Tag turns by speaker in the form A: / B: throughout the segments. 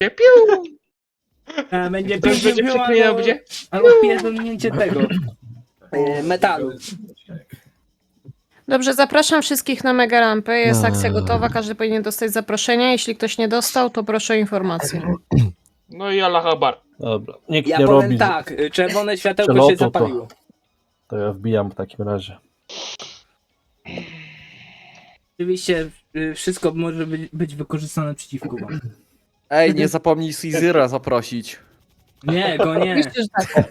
A: Piu!
B: Będzie
A: Ktoś będzie
B: pięknie
A: przeklinał, będzie?
B: albo pierdolnięcie tego metalu.
C: Dobrze, zapraszam wszystkich na mega rampę. Jest akcja gotowa, każdy powinien dostać zaproszenie. Jeśli ktoś nie dostał, to proszę o informację.
A: No i Allah Akbar.
D: Dobra, nikt
B: Ja
D: nie
B: powiem
D: robi.
B: tak, czerwone światełko
D: przelotu,
B: się zapaliło.
D: To ja wbijam w takim razie.
B: Oczywiście wszystko może być wykorzystane przeciwko wam.
E: Ej, nie zapomnij Caesara zaprosić.
B: Nie, go nie.
C: Oczywiście, że tak.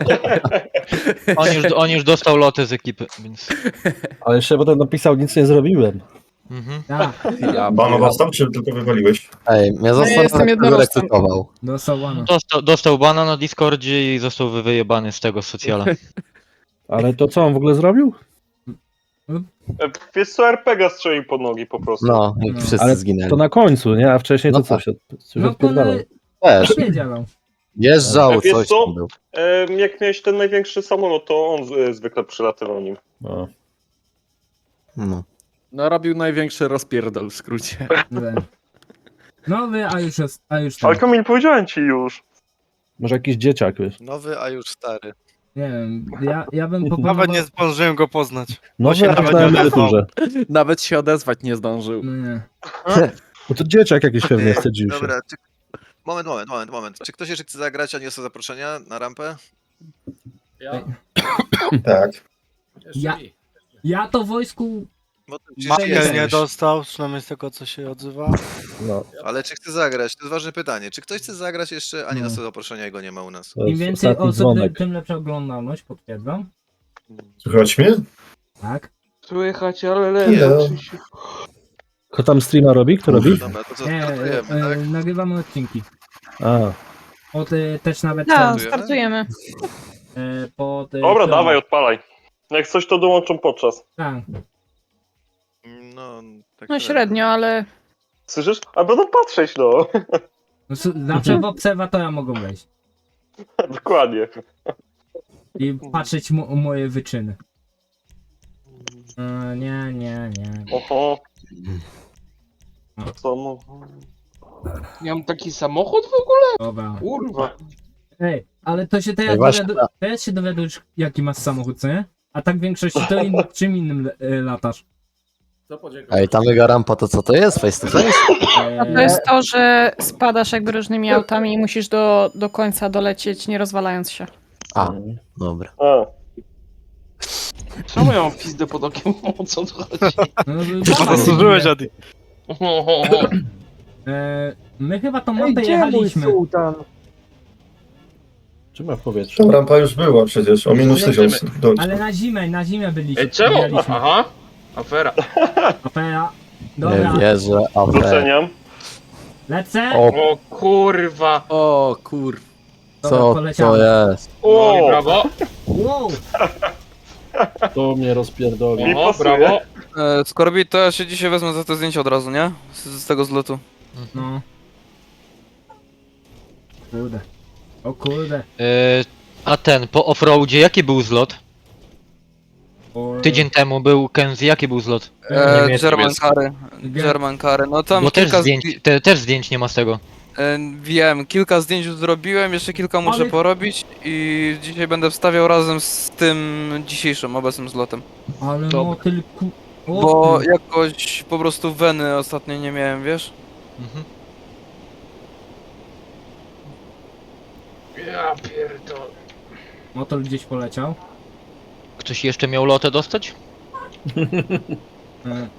F: On już dostał lotę z ekipy, więc...
D: Ale jeszcze potem napisał, nic nie zrobiłem.
F: Mhm.
B: Tak,
E: Ja
G: Banował tam, czy tylko wywaliłeś?
H: Ej, mnie
C: ja jestem
H: zastanawiam, kto
C: jednorożcem.
H: recytował.
B: dostał łano.
F: Dostał bana na Discordzie i został wyjebany z tego socjala.
D: Ale to co on w ogóle zrobił?
I: Wiesz co, RPG strzelił pod nogi po prostu.
H: No, i wszyscy
D: Ale
H: zginęli.
D: To na końcu, nie? A wcześniej to
H: No
D: co
H: tak.
D: się
B: No
D: odpierdalał?
H: Też,
B: nie działał.
H: jeżdżał,
I: Wiesz
H: coś
I: co?
H: tam był.
I: Jak miałeś ten największy samolot, to on zwykle przylatywał nim.
D: No.
H: No.
E: No robił największy rozpierdol w skrócie.
B: Nowy, a już jest,
I: Ale
B: ten.
I: Kamil, powiedziałem ci już.
D: Może jakiś dzieciak, wiesz?
J: Nowy, a już stary.
B: Nie wiem, ja bym proponował...
J: Nawet nie zdążyłem go poznać.
D: Nowy,
J: się
D: a
J: nawet
D: na
J: nie
D: emeryturze.
E: Nawet się odezwać nie zdążył.
B: No nie.
D: No to dzieciak jakiś pewnie wstydził się.
J: Dobra, moment. Czy ktoś jeszcze chce zagrać, a nie dostał zaproszenia na rampę?
G: Tak.
B: Ja to w wojsku...
J: Bo to
B: Michael nie
J: dostał, przynajmniej z tego co się odzywa.
D: No.
J: Ale czy chce zagrać? To jest ważne pytanie. Czy ktoś chce zagrać jeszcze, a nie
B: No.
J: dostał zaproszenia i go nie ma u nas?
D: To
B: Im
D: jest
B: więcej
D: ostatni
B: osób,
D: dzwonek.
B: tym lepsza oglądalność, potwierdzam.
G: Słychać mnie?
B: Tak.
A: Słychać, ale
G: Hello.
A: lepiej.
D: Kto tam streama robi? Kto robi?
J: Dobra, to co,
B: Nie,
J: startujemy, tak?
B: nagrywamy odcinki.
D: A,
B: Też nawet
C: Tak,
J: Startujemy?
C: startujemy.
I: Dobra, dawaj, odpalaj. Jak coś, to dołączą podczas.
B: Tak.
J: No, tak
C: No średnio, ale
I: Słyszysz? A będą patrzeć, no.
B: No, zawsze w obserwatora mogą wejść.
I: Dokładnie.
B: I patrzeć moje wyczyny. Nie.
I: Oho. Co mu?
A: Ja mam taki samochód w ogóle?
B: Dobra.
A: Kurwa.
B: Ej, ale to się teraz
H: Właśnie,
B: teraz się dowiadujesz, jaki masz samochód, co nie? A tak w większości to czym innym latasz.
H: Ej, ta mega rampa to co to jest? Face to face?
C: to jest to, że spadasz jakby różnymi autami i musisz do końca dolecieć, nie rozwalając się.
H: A, dobra.
I: A.
A: Czemu ja mam pizdę pod okiem? O co tu chodzi?
B: No,
J: Zasłużyłeś, Adi.
B: my chyba tą mapę jechaliśmy.
D: trzyma w powietrzu.
G: Ta rampa już była przecież, o minus 1000.
B: Ale na zimę byliśmy.
A: Ej, czemu?
B: jechaliśmy.
A: Aha. Afera.
B: Afera.
H: Nie
B: Dobra,
H: wierzę, ale...
I: Doceniam.
B: lecę.
A: O kurwa.
E: O kur...
B: Dobra,
H: Co to
B: poleciałem.
H: jest?
A: No i brawo.
B: Wow.
D: To mnie rozpierdoli.
I: Nie
A: O,
I: pasuje.
A: brawo.
E: Skorbi, to ja się dzisiaj wezmę za to zdjęcie od razu, nie? Z tego zlotu.
B: No. Kurde. O kurde.
F: A ten, po offroadzie jaki był zlot? Tydzień temu był Kenzie, jaki był zlot?
E: German Kary. German Kary. No tam
F: Bo też
E: kilka
F: zdjęć, też zdjęć nie ma z tego.
E: Wiem, kilka zdjęć już zrobiłem, jeszcze kilka muszę
B: Ale-
E: porobić i dzisiaj będę wstawiał razem z tym dzisiejszym obecnym zlotem.
B: Ale
F: Dobra.
B: no tylko...
E: Bo jakoś po prostu weny ostatnio nie miałem, wiesz?
F: Mhm.
A: Ja pierdolę.
B: Motor gdzieś poleciał.
F: Ktoś jeszcze miał lotę dostać?
B: E,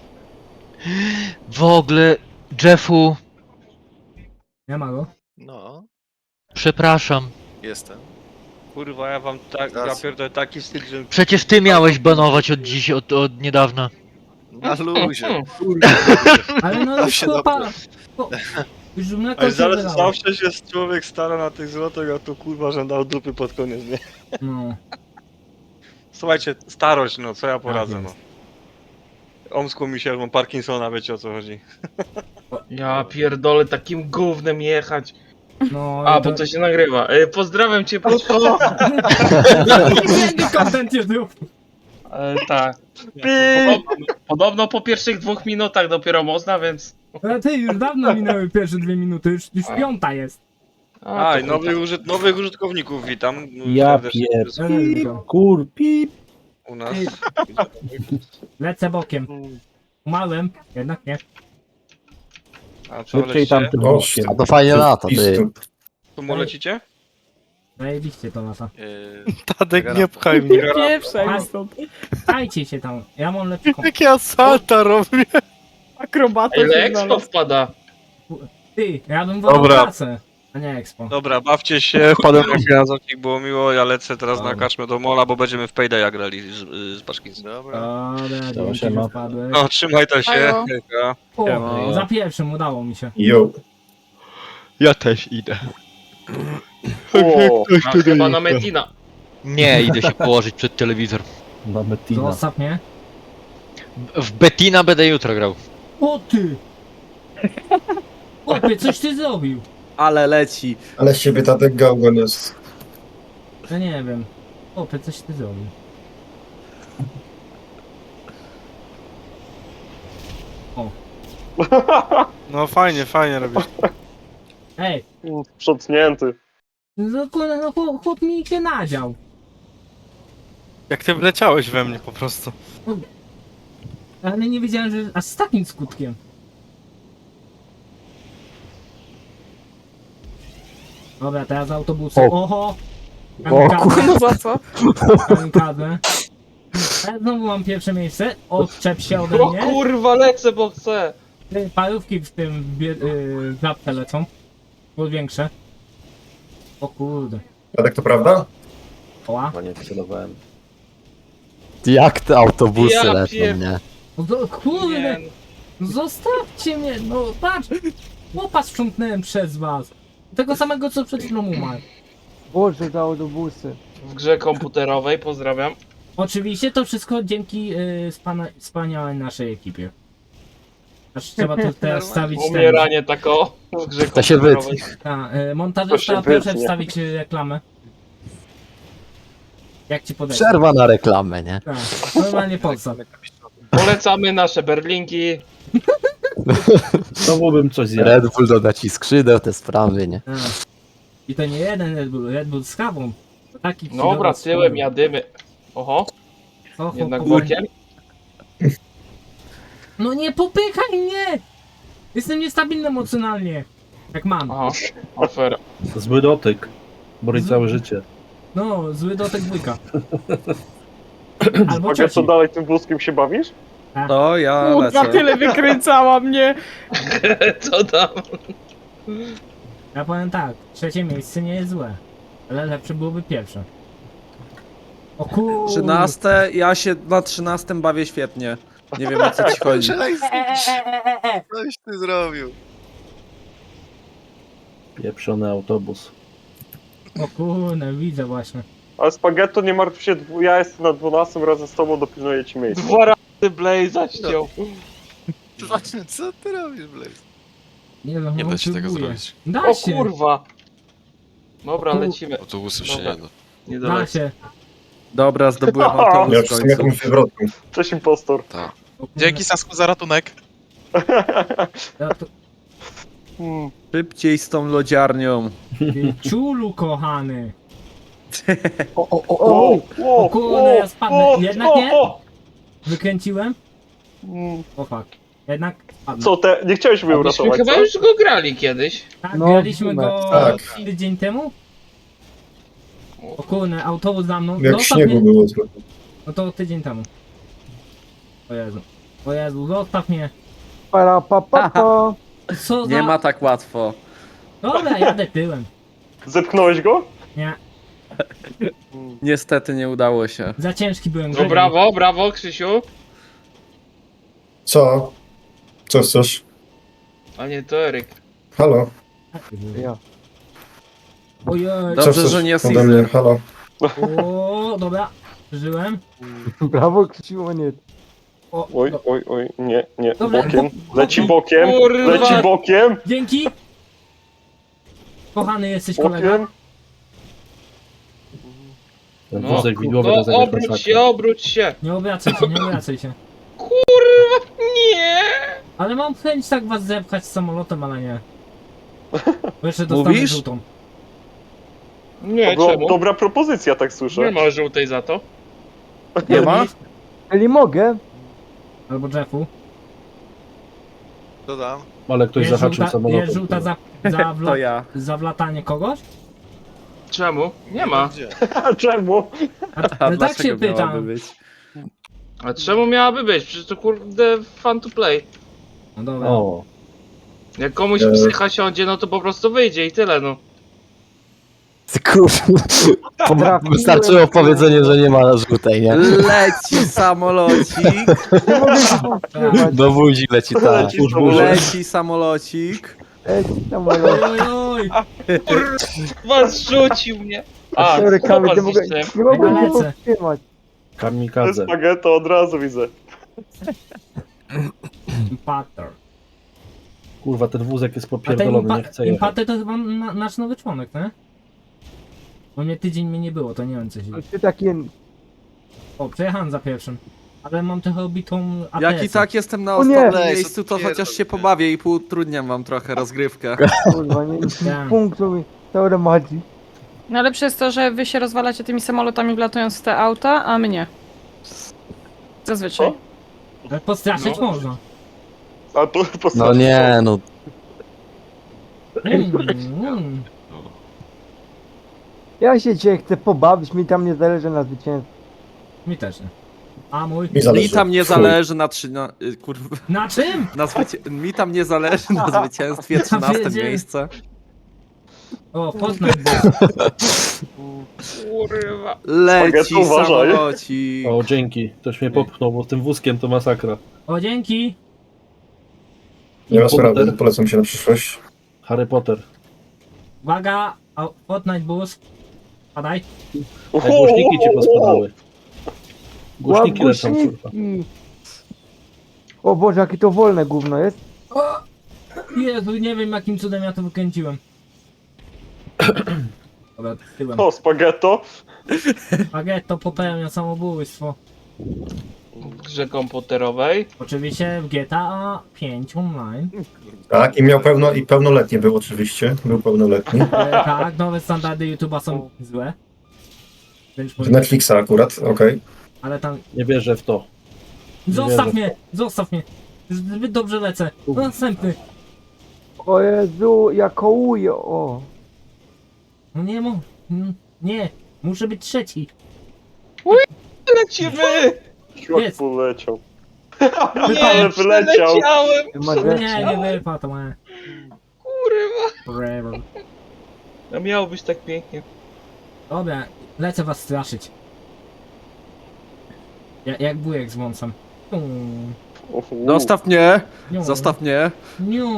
F: W ogóle, Jeffu,
B: Nie ma go.
J: No,
F: przepraszam.
J: jestem.
I: Kurwa, ja wam tak,
J: ja
I: pierdolę taki styl, że...
F: Przecież ty miałeś banować od dziś, od niedawna.
J: Na luzie.
B: Ale no
J: To
B: już
J: się
B: chłopa... Już mleko się wylało.
I: się człowiek stara na tych zlotach, a tu kurwa, że dał dupy pod koniec, nie?
B: No.
I: Słuchajcie, starość, no co ja
B: poradzę, no.
I: Omsku mi się, mam Parkinsona, wiecie o co chodzi.
A: Ja pierdolę takim gównem jechać.
B: No
A: A,
B: i
A: bo to się nagrywa. Pozdrawiam cię, Pruszko.
B: Nie content YouTube.
A: Tak. Podobno po pierwszych 2 minutach dopiero można, więc
B: Ale ty, już dawno minęły pierwsze 2 minuty, już 5 jest.
A: A, to
I: nowych użytkowników witam.
D: Ja
I: serdecznie
D: Kur, pip.
I: u nas.
B: Lecę bokiem. Umarłem, jednak nie.
I: A co
D: Szybciej
I: lecicie?
D: tamtym
G: O,
D: bokiem.
H: A to fajnie lata, ty.
G: Pistup.
I: Tu mu lecicie?
B: Zajebiście to lata.
E: Tadek, nie pchaj mnie.
C: Pierwsza
B: A-
C: stąd.
B: Dajcie się tam, ja mam lepszy komp.
E: Jak ja salta robię.
C: Akrobata
A: Ile
C: się
A: expo
C: znalazł.
A: wpada?
B: Ty, ja bym wolał
E: Dobra.
B: pracę, a nie expo.
I: Dobra, bawcie się, wpadłem na chwilę, było miło, ja lecę teraz na
B: Dobra.
I: kaczmę do mola, bo będziemy w Paydaya grali z Baszkincem.
J: Dobra.
B: Dobra,
D: Dobra,
B: dzięki,
D: siema.
B: że wpadłeś.
I: No, trzymaj to się.
C: Ajo.
I: Hejka.
B: O, za pierwszym udało mi się.
G: Jo.
F: Ja też idę.
A: A, chyba na Metina.
F: Nie, idę się położyć przed telewizor.
D: Na Metina.
B: Zostaw mnie.
F: W Bettina będę jutro grał.
B: O ty! Chłopie, coś ty zrobił.
E: Ale leci.
G: Ale z ciebie tatek gałgan jest.
B: Ja nie wiem. Chłopie, coś ty zrobił.
E: No fajnie robisz.
B: Ej,
I: Sprzątnięty.
B: no, kurde, no chłop mi się nadział.
E: Jak ty wleciałeś we mnie po prostu.
B: Ale nie wiedziałem, że aż z takim skutkiem. Dobra, teraz autobusem. Oho!
C: No za co?
B: Kamikadze. Ja znowu mam pierwsze miejsce. Odczep się ode
A: O
B: mnie.
A: kurwa, lecę, bo chcę.
B: Ty, parówki w tym klapce lecą. Było większe. O kurde.
G: Tatek, to prawda?
B: Oła.
D: Chyba nie celowałem.
H: Jak te autobusy
A: Ja
H: lecą,
A: pier-
H: nie?
B: No kurde.
A: Nie,
B: Zostawcie mnie. No patrz. Łopa sprzątnąłem przez was. Tego samego co przed chwilą umarł.
E: Boże, te autobusy.
A: w grze komputerowej, pozdrawiam.
B: Oczywiście to wszystko dzięki wspaniałej naszej ekipie. Aż trzeba tu teraz wstawić ten.
A: Umieranie tako w grze
H: To się
A: komputerowej.
B: Montażysta, proszę wstawić reklamę. Jak ci podejść?
H: Przerwa na reklamę, nie?
B: Tak, normalnie podstaw.
A: Polecamy nasze berlinki.
D: Znowu bym coś zjadł.
H: Red Bull doda ci skrzydeł, te sprawy, nie?
B: Tak. I to nie jeden Red Bull z kawą. Taki
A: Dobra, tyłem jadymy. Oho, jednak bokiem.
B: No nie popychaj mnie! Jestem niestabilny emocjonalnie. Jak mam.
A: Aha, afera.
D: Zły dotyk. Boli całe życie.
B: No, zły dotek dwójka. Albo
I: A co
B: trzeci.
I: dalej tym wózkiem się bawisz?
E: To ja
C: Kurwa, tyle wykręcała mnie.
A: Co tam?
B: Ja powiem tak, trzecie miejsce nie jest złe. Ale lepsze byłoby pierwsze. O kur...
E: 13, ja się na 13 bawię świetnie. Nie wiem o co ci chodzi.
J: Coś ty zrobił.
D: Pieprzony autobus.
B: O kurde, widzę właśnie.
I: Ale Spaghetto, nie martw się, ja jestem na 12 razem z tobą, dopilnuję ci miejsce.
A: 2 razy Blaze'a ściął.
J: Właśnie, co ty robisz, Blaze?
B: Nie, no,
K: Nie da się tego
B: próbuję.
K: zrobić.
B: Da
A: O
B: się,
A: kurwa. Dobra,
B: O kur-
A: lecimy.
K: Autobusów się
A: Dobra.
K: nie da.
A: Nie
B: da
A: doleci.
B: się.
E: Dobra, zdobyłem
G: Ja
E: autobus w
G: już jestem
E: końcu.
G: jakąś wywrotką.
I: Cześć impostor.
K: Tak.
B: O kurde.
K: Dzięki Sasku za ratunek.
B: Ja to-
E: Szybciej z tą lodziarnią.
B: Ty Ciulu kochany.
I: O
B: kurde, ja spadnę. Jednak nie? Wykręciłem? O fuck. Jednak spadnę.
I: Co, nie chciałeś mnie
A: Myśmy
I: uratować,
A: chyba
I: co?
A: już go grali kiedyś.
B: Tak,
E: No,
B: graliśmy go
G: tak.
B: tydzień temu? O kurde, autobus za mną.
G: Jak
B: Zostaw
G: śniegu
B: mnie.
G: było trochę.
B: No to tydzień temu. O Jezu. O Jezu, zostaw mnie. Co za...
E: Nie ma tak łatwo.
B: Dobra, jadę tyłem.
I: Zepchnąłeś go?
B: Nie,
E: Niestety nie udało się.
B: za ciężki byłem.
A: No brawo, brawo Krzysiu.
G: Co? Co chcesz?
A: A nie, to Eryk.
G: Halo?
B: Ojej.
E: Dobrze,
G: Co chcesz
E: że nie
G: ode
E: Caesar.
G: mnie? Halo?
B: O, dobra. Żyłem.
E: Brawo, Krzysiu, nie.
B: O,
I: Oj,
B: do-
I: oj, nie,
B: Dobra,
I: bokiem.
B: bo-
I: Leci bokiem,
A: Kurwa.
I: leci bokiem,
B: Dzięki. Kochany jesteś kolega.
I: bokiem.
D: Ten
A: No,
D: wózek widłowy
A: no
D: rozegrał
A: obróć
D: masakra.
A: się, obróć się.
B: Nie obracaj się, nie obracaj się.
A: Kurwa, nie.
B: Ale mam chęć tak was zepchać z samolotem, ale nie. Bo jeszcze dostanę
E: Mówisz?
B: żółtą.
A: Nie,
I: To
A: czemu?
I: dobra propozycja, tak słyszę.
A: Nie ma żółtej za to.
E: Nie ma?
K: Eli mogę?
B: Albo Jeffu.
J: Dodam.
D: Ale ktoś zahaczył samolotem.
B: Jest żółta
K: To ja.
B: za wlatanie kogoś?
A: Czemu? Nie ma.
J: Gdzie?
I: A czemu?
B: Ale tak się pytam.
A: A czemu miałaby być? Przecież to kurde fun to play.
B: No dobra.
D: O,
A: Jak komuś psycha siądzie, no to po prostu wyjdzie i tyle, no.
H: Kurwa. Wystarczyło powiedzenie, że nie ma żółtej, nie?
K: Leci samolocik.
H: Do buzi leci ta.
I: Leci samolot.
K: Leci samolocik.
B: Oj, oj, oj.
A: Was rzucił mnie. A,
K: Sorry,
A: co
K: Kamil,
A: was
K: nie mogę-
A: zniszczyłem?
K: Nie mogłem się
B: Lecę.
K: powstrzymać.
D: kamikadze.
I: Spaghetto od razu widzę.
B: Impater.
D: Kurwa, ten wózek jest
B: A ten
D: popierdolony, nie chcę jechać.
B: Impater to chyba nasz nowy członek, nie? Bo mnie tydzień mnie nie było, to nie wiem co się dzieje.
K: Ty taki...
B: O, przejechałem za pierwszym. Ale mam trochę obitą ATS.
E: Jak i tak jestem na
K: O nie!
E: ostatnim
J: Lej,
E: miejscu, to
J: pierdol
E: chociaż się
J: mnie.
E: pobawię i utrudniam wam trochę rozgrywkę.
K: Kurwa, nie
B: Wiem.
K: punktu mi. Dobra, Madzi.
C: Najlepsze jest to, że wy się rozwalacie tymi samolotami wlatując w te auta, a my nie. Zazwyczaj.
I: O.
B: Ale postraszyć
A: No.
B: można.
I: A tu
H: No nie, no.
B: Mm.
K: Ja się dzisiaj chcę pobawić, mi tam nie zależy na zwycięstwie.
B: Mi też nie. A mój?
G: Mi zależy.
E: Mi tam nie
G: Chuj.
E: zależy na kurwa,
B: Na czym?
E: mi tam nie zależy na zwycięstwie 13
B: wiedziałem.
E: miejsce.
B: O, Fortnite był.
A: Kurwa.
E: Leci
I: Spaghetto, uważaj.
E: samolocik.
D: O, dzięki. Ktoś mnie popchnął, bo z tym wózkiem to masakra.
B: O, dzięki.
G: Nie ma sprawy,
D: Potem
G: polecam się na przyszłość.
D: Harry Potter.
B: Uwaga, Fortnite boost. Padaj.
D: Te głośniki ci pospadały. Głośniki lecą, kurwa.
K: Głośniki. O Boże, jakie to wolne gówno jest.
B: O! Jezu, nie wiem jakim cudem ja to wykręciłem. Dobra, tyłem.
I: O, spaghetto.
B: Spaghetto popełnia samobójstwo.
A: W grze komputerowej.
B: Oczywiście w GTA 5 online.
G: Tak, i miał pełnoletni był oczywiście. Był pełnoletni.
B: Tak, nowe standardy YouTube'a są złe. Więc
G: Z Netflixa akurat, okej.
B: ale tam...
D: Nie wierzę w to.
B: Zostaw
D: wierzę.
B: mnie! Zostaw mnie! Zbyt dobrze lecę. Następny.
K: O Jezu, ja kołuję, o.
B: No nie mo... Nie, muszę być trzeci.
A: Lecimy!
I: Jak
B: Jest.
I: poleciał.
A: Nie,
I: Ale wyleciał.
A: przeleciałem!
B: Nie wypadł, to ma.
A: Kurwa.
B: Forever.
A: No miało być tak pięknie.
B: Dobra, lecę was straszyć. Jak bujek z wąsem.
E: Zostaw mnie! Zostaw mnie!
B: Niu.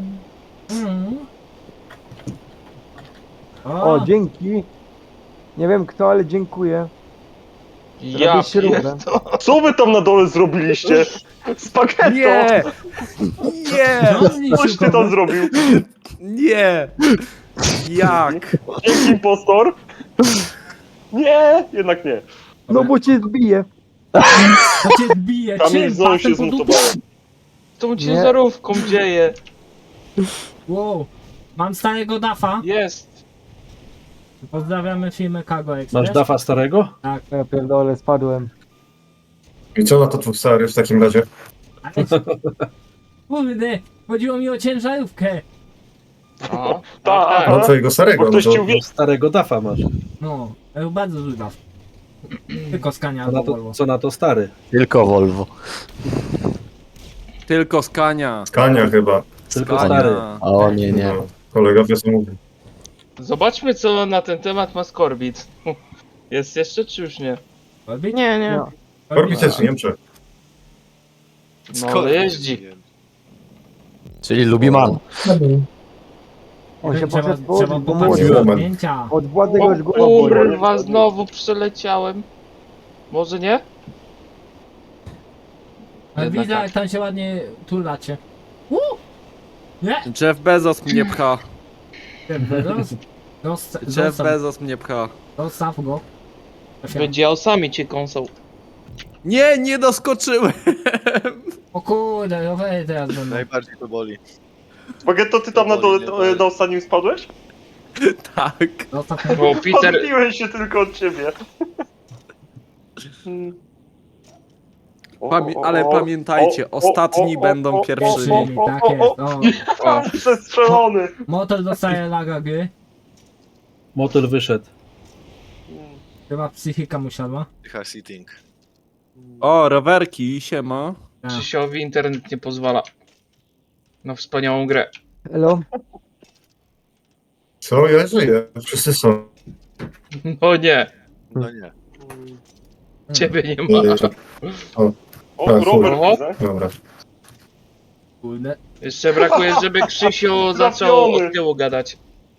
K: O, dzięki. Nie wiem kto, ale dziękuję.
A: Ja
K: Robię śrubę.
A: pierdolę.
I: Co wy tam na dole zrobiliście? Spaghetto!
E: Nie! Nie!
I: Coś ty tam zrobił?
E: Nie! Jak?
I: Dzięki, impostor. Nie, jednak nie.
K: No bo cię zbiję.
B: To cię zbije.
I: Kamil
B: Czym?
I: znowu się
B: Patem po dupie?
I: zmutował.
A: Z tą ciężarówką dzieje.
B: Wow. Mam starego dafa.
A: Jest.
B: Pozdrawiamy firmę Cargo Express.
D: Masz dafa starego?
K: Ja pierdolę, spadłem.
G: I co na to twój stary w takim razie?
B: Ale... Kurde, chodziło mi o ciężarówkę.
A: O,
I: Tak.
G: No twojego starego,
I: Bo
G: no
I: ktoś
G: to...
I: ci uwierzył.
D: Starego dafa masz.
B: No, bardzo zły daf. Tylko Scania albo Volvo.
D: Co na to stary?
H: Tylko Volvo.
E: Tylko Skania.
G: Skania chyba.
D: Tylko
E: Skania.
D: stary.
H: O nie, nie.
G: No, kolega wiosną mówi.
A: Zobaczmy co na ten temat ma Skorbit. Jest jeszcze czy już nie?
B: Orbit?
C: Nie, nie.
K: No.
G: Orbit jest w Niemczech.
A: No ale jeździ.
H: Czyli lubi man.
K: On się
B: Trzeba
K: poszedł położyć, bo
B: popatrzeć
K: mówił.
B: na
G: Moment.
B: zdjęcia.
K: Od władzy
A: O
K: już głowa boli.
A: kurwa, znowu przeleciałem. Może nie?
B: Ale
E: Jednak
B: widzę
E: tak.
B: jak tam się ładnie tulacie. Nie!
E: Jeff Bezos mnie pcha. Jeff
B: Zostaw
E: Bezos mnie pcha.
B: go.
A: Będzie osami cię kąsał.
E: Nie, nie doskoczyłem!
B: O kurde, rowery teraz będą.
J: Najbardziej to boli.
I: Spaghetto, ty tam na dole na ostatnim spadłeś?
E: Tak.
B: Zostaw mnie.
A: Bo Peter...
I: Odbiłem się tylko od ciebie.
E: Ale pamiętajcie, ostatni będą pierwszymi.
B: Pierwszymi, tak jest. O,
I: Przestrzelony.
B: motor dostaje laga gry.
D: Motor wyszedł.
B: Chyba psychika mu siadła.
J: Car sitting.
E: O, rowerki, siema.
B: Tak.
A: Krzysiowi internet nie pozwala. Na wspaniałą grę.
K: Elo?
G: Co? Ja żyję. Wszyscy są.
A: No nie,
J: No nie.
A: ciebie nie ma.
I: O,
G: Tak,
I: Robert
A: chuj.
I: widzę.
G: Dobra.
B: Kurde.
A: Jeszcze brakuje, żeby Krzysio zaczął od tyłu gadać.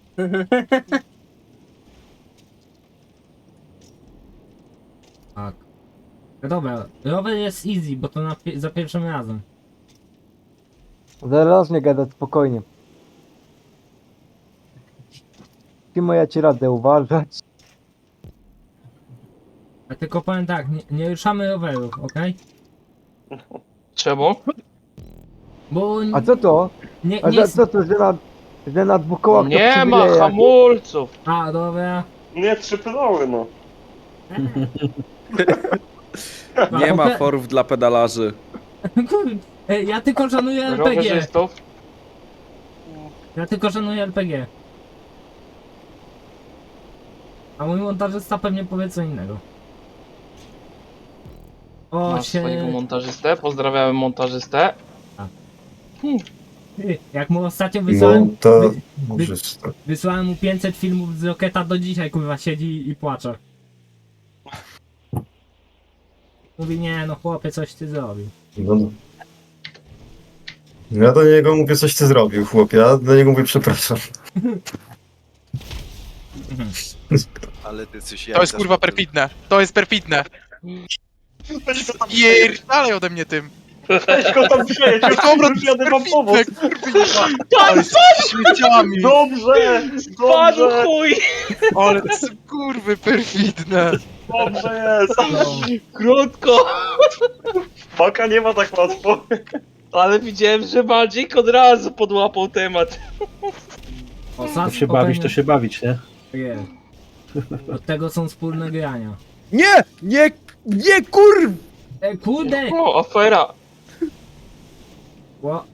B: Tak. No dobra, rower jest easy, bo to za pierwszym razem.
K: Zaraz nie gadać, spokojnie. Timo, ja ci radę uważać.
B: Ja tylko powiem tak, nie ruszamy rowerów, okej?
A: Czemu?
B: Bo
K: A co to?
B: nie,
K: A
B: nie...
K: co to, że na dwóch kołach to
A: Nie ma
K: przywileje
A: hamulców.
B: A, dobra.
I: Nie, 3 pedały, no.
E: Nie ma forów dla pedalarzy.
B: Kurde, ja tylko szanuję RPG.
A: Rowerzystów.
B: Ja tylko szanuję RPG. A mój montażysta pewnie powie co innego. O,
A: Masz swojego montażystę. Pozdrawiamy montażystę.
B: Jak mu ostatnio wysłałem,
G: Montażysta.
B: wysłałem mu 500 filmów z Rocketa, do dzisiaj kurwa siedzi i płacze. Mówi, nie no chłopie, coś ty zrobił.
G: No. Ja do niego mówię, coś ty zrobił, chłopie. Ja do niego mówię, przepraszam.
J: Ale ty coś
E: To jest kurwa perfidne. To jest perfidne.
I: Weź go tam
E: Dalej ode mnie tym.
I: Weź go tam przejedź, już jadę wam pomóc.
E: Ale z śmieciami.
I: Dobrze,
A: Padł
I: dobrze,
A: chuj!
E: Ale to są kurwy perfidne.
I: dobrze jest.
A: Krótko!
I: Paka nie ma tak łatwo.
A: Ale widziałem, że Magic od razu podłapał temat.
B: O,
D: To się bawić, to się bawić, nie?
B: Jest. Od tego są wspólne grania.
E: Nie kurw!
B: Kurde!
A: O, afera!
B: Ło.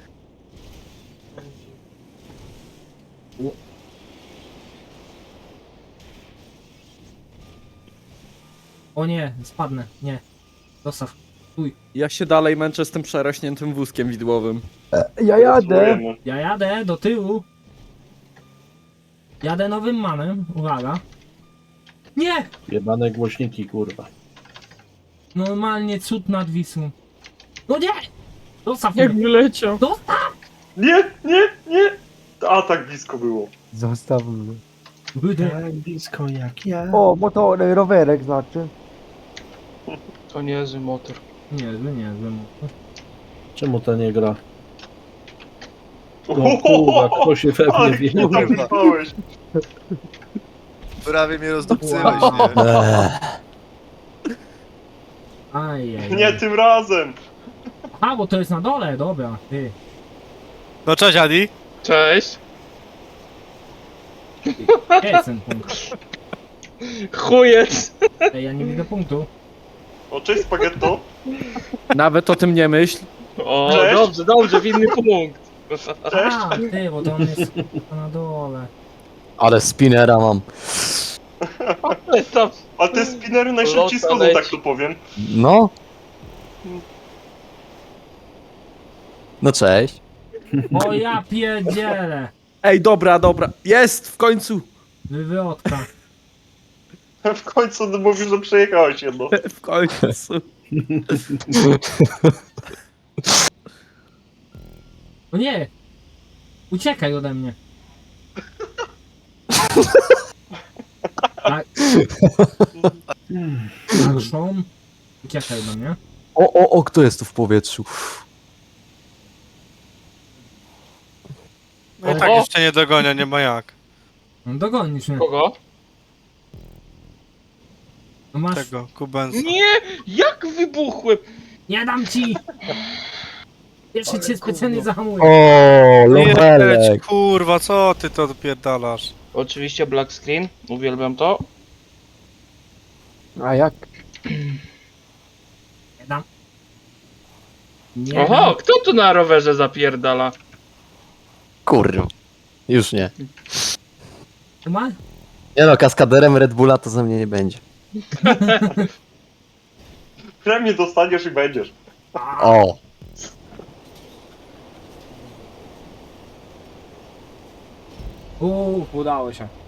B: O nie, spadnę, nie. Zostaw.
E: Ja się dalej męczę z tym przerośniętym wózkiem widłowym.
K: Ja jadę.
B: Ja jadę do tyłu. Jadę nowym manem, uwaga. Nie!
D: Jebane głośniki, kurwa.
B: Normalnie cud nad Wisłą. No nie! Zostaw mnie!
A: wyleciał.
I: Nie, nie, nie. A tak blisko było.
K: Zostaw mnie.
B: Kurde.
D: Tak blisko jak ja.
K: O, motor, rowerek znaczy.
A: To niezły motor.
B: Niezły.
D: Czemu to nie gra? No kurwa, kto się we mnie
I: Ale
D: wie?
I: nie tam wyspałeś.
J: Prawie mnie rozdupcyłeś, nie?
B: Ajej.
I: Nie tym razem.
B: A, bo to jest na dole, dobra. Ty.
E: No cześć Adi.
A: Cześć!
B: Gdzie jest ten punkt?
A: Chujec!
B: Ej, ja nie widzę punktu.
I: O, cześć spaghetto.
E: Nawet o tym nie myśl.
A: O,
I: Cześć.
A: dobrze, w inny punkt.
I: Cześć.
B: A, ty, bo to on jest na dole.
H: Ale spinera mam.
A: Ale tam
I: A te spinnery najszybciej
A: Lota
I: schodzą,
A: leci.
I: tak to powiem.
H: No. No cześć.
B: O ja pierdzielę.
E: Ej, dobra. Jest w końcu.
B: Wywrotka.
I: W końcu mówisz, że przejechałeś jedno.
E: W końcu.
B: O nie! Uciekaj ode mnie. Tak. Action. Uciekaj ode mnie.
H: O, kto jest tu w powietrzu?
A: No i tak jeszcze
E: nie dogonia, nie ma jak.
B: No dogonisz mnie.
A: kogo?
B: No masz...
E: Kubenza.
A: Nie! Jak wybuchłem?
B: Nie dam ci! Pierwszy cię specjalnie zahamuje.
H: O, lowelek.
E: kurwa, co ty to dopierdalasz?
A: Oczywiście black screen, uwielbiam to.
K: A jak?
B: Nie dam. Nie
A: Oho,
B: dam.
A: kto tu na rowerze zapierdala?
H: Kurwa. Już nie.
B: Ma?
H: Nie no, kaskaderem Red Bulla to ze mnie nie będzie.
I: Premię dostaniesz i będziesz.
H: O.
B: Udało się.